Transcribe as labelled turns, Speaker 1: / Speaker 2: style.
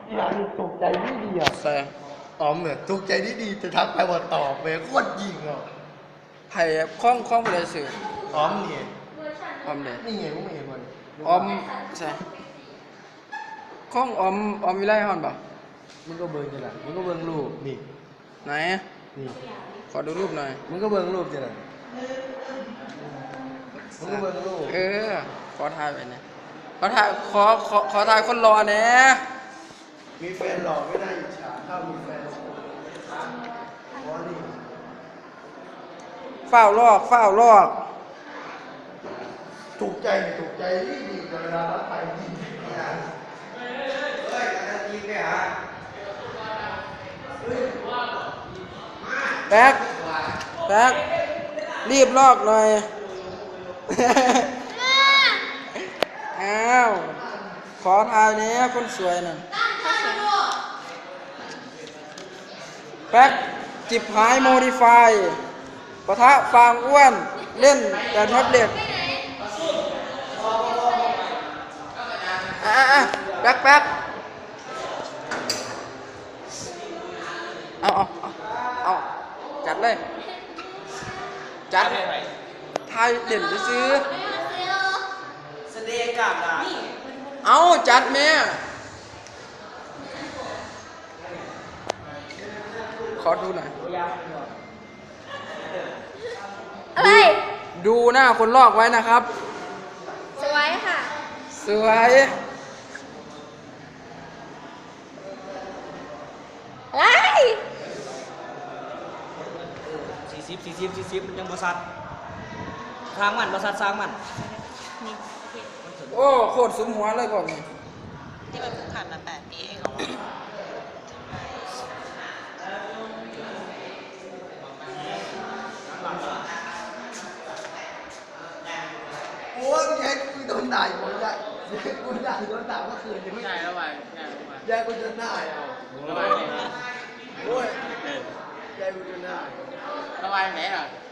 Speaker 1: อย่างถูกใจดีดีอ่ะ
Speaker 2: ใส่
Speaker 1: อ๋อเหมือนถูกใจดีดีจะทักไปว่าตอบเว้ยโคตรยิงอ่ะ
Speaker 2: ไผ่คล้องเลยสื่อ
Speaker 1: อ๋อนี่ไง
Speaker 2: ออมเลย
Speaker 1: นี่ไงพวกมึงเห็นมัน
Speaker 2: ออมใช่คล้องออมวิไลฮอนป่ะ
Speaker 1: มึงก็เบิ่งจะไหนมึงก็เบิ่งรูปนี่
Speaker 2: ไหน
Speaker 1: นี่
Speaker 2: ขอดูรูปหน่อย
Speaker 1: มึงก็เบิ่งรูปจะไหนมึงก็เบิ่งรูป
Speaker 2: ขอถ่ายไปเนี่ยขอถ่ายคนรอเนี่ย
Speaker 1: มีแฟนหล่อไม่ได้อิจฉาถ้ามีแฟนอ๋อนี่
Speaker 2: เฝ้าลอก
Speaker 1: ถูกใจถูกใจดีดีเวลารับไปดีเนี่ยเฮ้ยการยิงเนี่ยฮะ
Speaker 2: แป๊กรีบลอกหน่อย อ้าวขอถ่ายเนี่ยคนสวยน่ะแป๊กจิบหายโมดิฟายปะทะฟางอ้วนเล่นแต่แท็บเล็ตแป๊กเอาจัดเลยจัดทายเล่นซื้อแสดงกล้ามได้เอาจัดแม่ขอดูหน่อย
Speaker 3: อะไร
Speaker 2: ดูหน้าคนลอกไว้นะครับ
Speaker 3: สวยค่ะ
Speaker 2: สวย
Speaker 3: อะไร
Speaker 4: 40มันยังบริษัทสร้างมันบริษัทสร้างมัน
Speaker 2: โอ้โคตรสุมหัวเลยก่อนนี่
Speaker 5: ที่มันเพิ่งผ่านมา8 ปีเองเหรอวะ
Speaker 1: โอ้ยแย่กูโดนด่าอยู่คนละกูด่าโดนด่าเมื่อคืนยังไม่
Speaker 4: ใช่แล้วไป
Speaker 1: แย่กูจนหน้าเอา
Speaker 4: แล้วไป
Speaker 1: โอ้ยแย่กูจนหน้า
Speaker 4: แล้วไปไหนอ่ะ